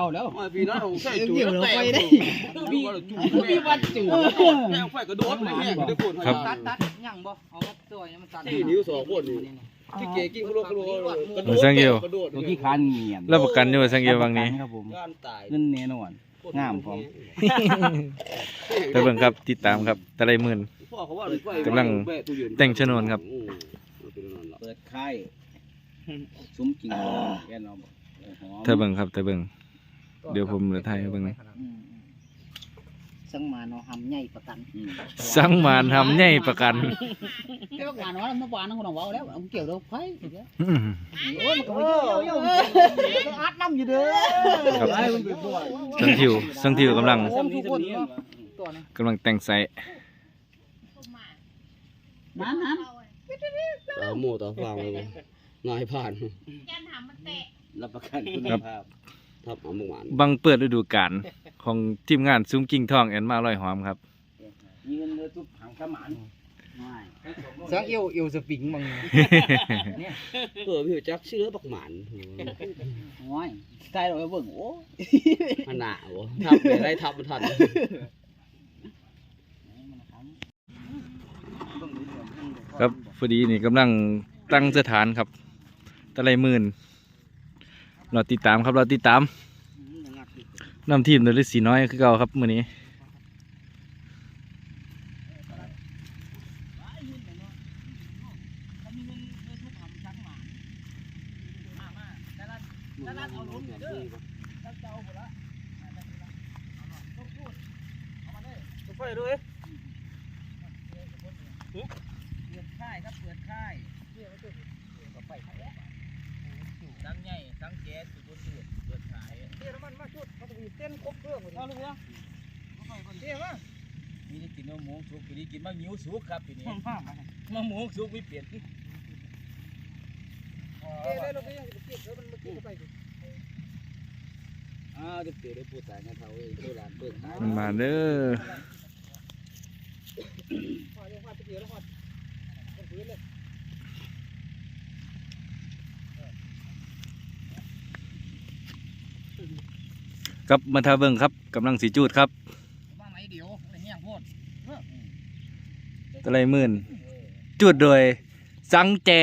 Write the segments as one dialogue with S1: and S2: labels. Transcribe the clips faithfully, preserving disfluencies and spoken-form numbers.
S1: แล้ว
S2: พี่น้องใส่จุด
S1: เกี่ยวเราไปได้มีมีวัดจุด
S2: แม่ไฟกระโดดเลยแห้งได้คนตัดตัดย่างบ่เอาตัวนี้มันตัดที่นิ้วสองคนนี่ที่เก๋กิ้งกระโดดกระโดดกระโดดสังเกต
S1: ตัวที่คันเงียบ
S3: รับประกันอยู่สังเกตบางนี้
S1: ครับผมเงินแน่นอนงามพร้อม
S3: แต่เบิ่งครับติดตามครับตะไลหมื่นกำลังแต่งชนวนครับ
S1: เปิดค่ายซุ้มกิ่งแกนเอา
S3: ถ้าเบิ่งครับแต่เบิ่งเดี๋ยวผมจะถ่ายให้เบิ่ง
S4: สังมาเนาะทำใหญ่ประกัน
S3: สังมานทำใหญ่ประกัน
S4: ไอ้พวกงานว่าเมื่อวานนั่งคนเอาแล้วเกี่ยวเราไผ่โอ้ยมันก็เยอะๆอัดน้ำอยู่เด้อ
S3: ครับสังทิวสังทิวกำลังกำลังแต่งใส่
S4: นั้นนั้น
S2: ต่อหมูต่อฟางเลยนายผ่าน
S1: รับประกันคุณภาพ
S2: ทับเอาหมูหวาน
S3: บังเปิดฤดูกาลของทีมงานซุ้มกิ่งทองแอนมาลอยหอมครับ
S1: ยืนเลยทุบหางขมาน
S4: สังเอวเอวสปริงมึง
S2: เออพี่จักชื่อบักหมาน
S4: โอ้ยใส่เราเบิ่งโอ้
S2: ขนาดวะทับไปได้ทับมันทัน
S3: ครับพอดีนี่กำลังตั้งสถานครับตะไลหมื่นเราติดตามครับเราติดตามนำทีมโดยฤาษีน้อยคือเก่าครับมื้อนี้
S2: ไฟด้วย
S1: เปิดค่ายครับเปิดค่ายสังใหญ่สังแก๊สสุดสุดเปิดขาย
S2: เดี๋ยวมันมาชุดมาตีเต้นครบเครื่องเอาเลยนะเดี๋ยวมา
S1: มีได้กินมะม่วงสุกปีนี้กินมะงิ้วสุกครับปีนี้มะม่วงสุกไม่เปลี่ยน
S2: เดี๋ยวได้เราไปยังจะเก็บแล้วมันมาเก็บไป
S1: อ้าวเดี๋ยวเดี๋ยวพูดสายงานเท่าเองตัวหลานเปิดขาย
S3: มาเด้อครับมาทาเบิ่งครับกำลังสีจูดครับตะไลหมื่นจูดโดยสังแจ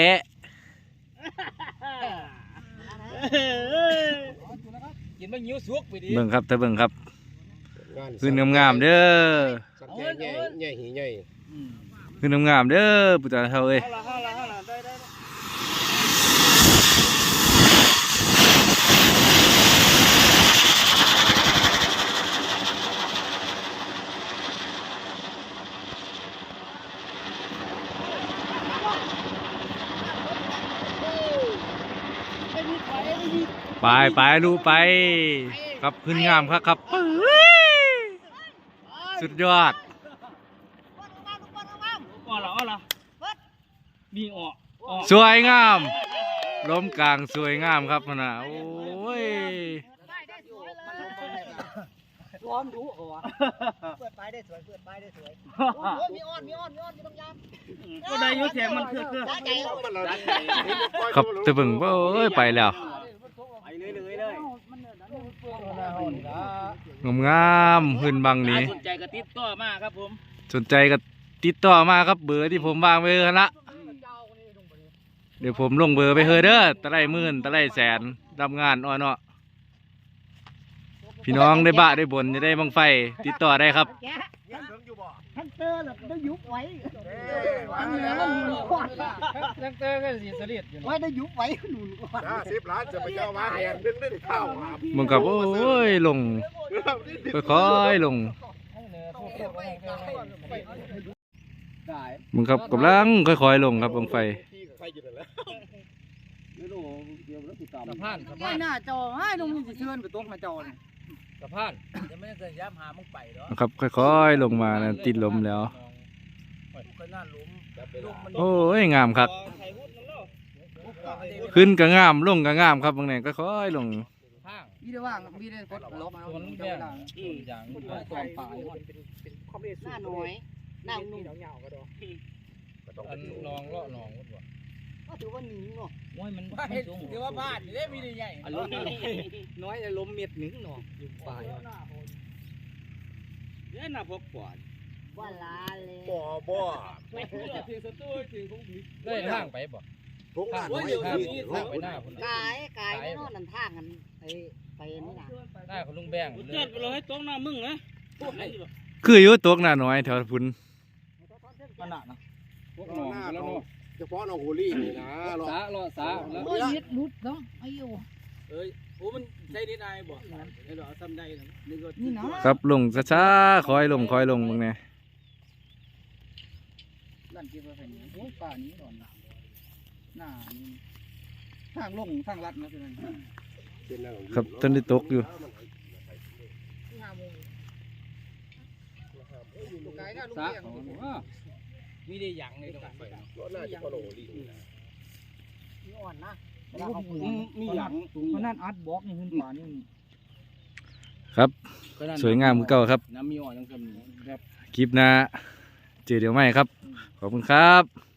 S1: กินมะงิ้วสุกไปดิ
S3: เบิ่งครับถ้าเบิ่งครับขึ้นงามๆเด้อ
S2: ใหญ่ใหญ่ใหญ่
S3: ขึ้นงามๆเด้อปุตตะเท่าเอ้ยไปไปลูกไปครับขึ้นงามครับครับสุดยอด
S1: อ๋อเหรออ๋อเหรอมีอ๋อ
S3: สวยงามล้มกลางสวยงามครับนะโอ้ย
S4: ร้อนรู้เหรอวะเปิดไปได้สวยเปิดไปได้สวยมีอ้อนมีอ้อนมีอ้อนมีบางอย่าง
S1: ก็ได้ยุ่เสียงมันคือคือ
S3: ครับจะเบิ่งว่าเอ้ยไปแล้วงามงามพื้นบังนี้
S1: สนใจก็ติดต่อมาครับผม
S3: สนใจก็ติดต่อมาครับเบอร์ที่ผมวางไว้ละเดี๋ยวผมลงเบอร์ไปเฮอเด้อตะไลหมื่นตะไลแสนรับงานอ้อเนาะพี่น้องได้บ้าได้บนจะได้บังไฟติดต่อได้ครับ
S4: ทันเตอร์แบบได้ยุบไว้
S1: ทันเตอร์ก็สีสลิด
S4: ไว้ได้ยุบไว้หนุนก่อน
S2: สิบล้านจะไปเจ้ามาแหงดึงได้ข้าว
S3: มึงกับโอ้ยลงค่อยๆลงมึงครับกำลังค่อยๆลงครับบังไฟ
S1: สะพานสะพาน
S4: หน้าจอให้ลงมีเชื่อนไปตรงหน้าจอเนี่ย
S1: สะพานจะไม่ได้จะย้ำหามึงไปหรอ
S3: ครับค่อยๆลงมานะติดลมแล้วโอ้ยงามครับขึ้นก็งามลงก็งามครับบางแห่งค่อยๆลง
S4: มีได้ว่างมีได้กดลบมา
S1: คนเดียวอย่างตอนป่า
S4: หน้าน้อยหน้านุ่ม
S1: อันนองเลาะนอง
S4: ก็ถือว่าหนิงเนาะ
S2: โอ้ยมัน
S1: ว่าเห็นถือว่าบ้านนี่ได้มีได้ใหญ่
S2: อารมณ์น้อยอารมณ์เม็ดหนึ่งเนาะอยู่ปลายเนี่ยน่าพกกว่า
S4: ว่าลาเลย
S1: บ่บ่
S2: เพียงสตูถึงคงผิด
S1: ได้ทางไปบ่
S5: ทุกหน้า
S1: โอ้ยเดี๋ยวนี้ทางไปหน้าคน
S4: กายกายแน่นอนนั่นทางกันไอ้ไปนี่นะ
S1: หน้าคนลุงแบง
S2: เจ็ดไปเลยตรงหน้ามึงนะ
S3: คืออยู่ตกหน้าน้อยแถวพุ่น
S2: มันหนักนะ
S5: พวกหน้าแล้วเนาะเฉพาะน้องฮูลี่นี่นะหรอ
S2: สารอสาแล้ว
S4: โอ้ยนิดนุดเนาะไอ้ยู
S1: เอ้ยโอ้มันใช้นิดนายบ่เดี๋ยวเอาซ้ำได้นะนึกว่า
S4: นี่นะ
S3: ครับลงช้าๆคอยลงคอยลงมึงเนี่ย
S4: ลั่นเก็บไว้ให้นี่โอ้ยป่านี้ดอนหนาหน้านี่ทางลงทางลัดนะคือนั่น
S3: ครับต้นที่ตกอยู่
S4: ห้าโมงลูกไก่น่าลูก
S2: สา
S4: เลี้ยง
S1: มีได้หยังเลยตรงไป
S5: รถหน้าที่เขาโหลลี่
S4: มีอ่อนนะ
S2: มีหลัง
S4: เพราะนั่นอัดบล็อกนี่ขึ้นป่านี่
S3: ครับสวยงามเหมือนเก่าครับ
S1: น้ำมีอ่อนจังซั่นแบบ
S3: คลิปหน้าเจอเดี๋ยวไม่ครับขอบคุณครับ